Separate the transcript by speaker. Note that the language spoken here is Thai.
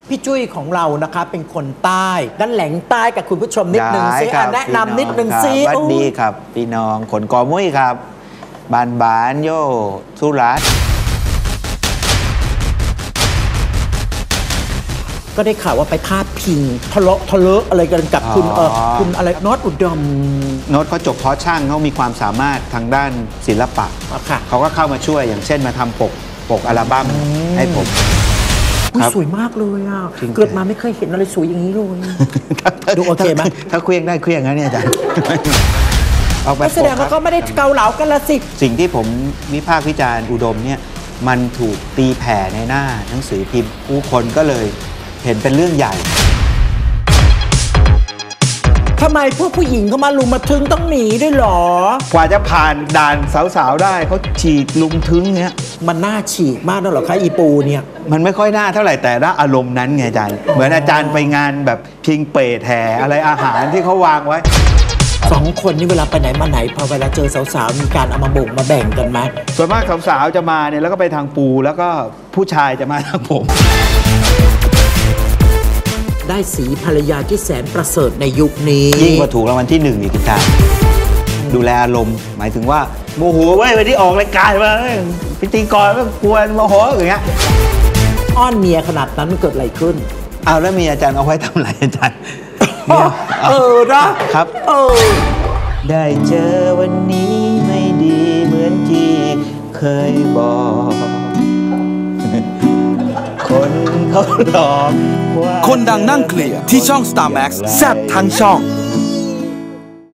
Speaker 1: พี่จุ้ยของเรานะคะเป็นคนใต้ด้านแหล่งใต้กับคุณผู้ชมนิดนึงซิแนะนำนิดนึงซิ
Speaker 2: สวัสดีครับพี่น้องขนกอมุ้ยครับบานโยสุรัตน์
Speaker 1: ก็ได้ข่าวว่าไปพาดพิงทะเลาะอะไรกันกับคุณอะไรน็อตอุดม
Speaker 2: โน้ตเขาจบเพาะช่างเขามีความสามารถทางด้านศิลปะเขาก็เข้ามาช่วยอย่างเช่นมาทำปกอัลบั้มให้ผม
Speaker 1: สวยมากเลยอ่ะเกิดมาไม่เคยเห็นอะไรสวยอย่างนี้เลยดูโอเคไหม
Speaker 2: ถ้าเคลี้ยงได้เคลี้ยงนะเนี่ยอาจารย์
Speaker 1: แสดงว่าก็ไม่ได้เกาเหลากันละสิ
Speaker 2: สิ่งที่ผมวิพากษ์วิจารณ์อุดมเนี่ยมันถูกตีแผ่ในหน้าหนังสือพิมพ์ผู้คนก็เลยเห็นเป็นเรื่องใหญ่
Speaker 1: ทำไมพวกผู้หญิงเขามาลุมมาทึงต้องหนีด้วยหรอก
Speaker 2: ว่าจะผ่านด่านสาวๆได้เขาฉีกลุมทึงเนี้ย
Speaker 1: มันน่าฉีกมากนั่นหรอคะอีปูเนี่ย
Speaker 2: มันไม่ค่อยน่าเท่าไหร่แต่ละอารมณ์นั้นไงอาจารย์เหมือนอาจารย์ไปงานแบบพิงเปรตแห่อะไรอาหารที่เขาวางไว้
Speaker 1: 2 คนนี่เวลาไปไหนมาไหนพอเวลาเจอสาวๆมีการเอามาบ่งมาแบ่งกันไหม
Speaker 2: ส่วนมากสาวๆจะมาเนี่ยแล้วก็ไปทางปูแล้วก็ผู้ชายจะมาทางผม
Speaker 1: ได้สีภรรยาที่แสนประเสริฐในยุคนี้
Speaker 2: ยิ่งกว่าถูกรางวัลที่1อีกอาจารย์ดูแลอารมณ์หมายถึงว่าโมโหเว้ยไปที่ออกรายการมาพิธีกรก็กวนโมโหอย่างเงี้ย
Speaker 1: อ้อนเมียขนาดนั้นมันเกิดอะไรขึ้น
Speaker 2: เอาแล้วมีอาจารย์เอาไว้ทำอะไรอาจารย์
Speaker 1: นะครับ
Speaker 2: ได้เจอวันนี้ไม่ดีเหมือนที่เคยบอกคนเขาหลอก
Speaker 3: คนดังนั่งเคลียร์ที่ช่อง Star Max แซ่บทั้งช่อง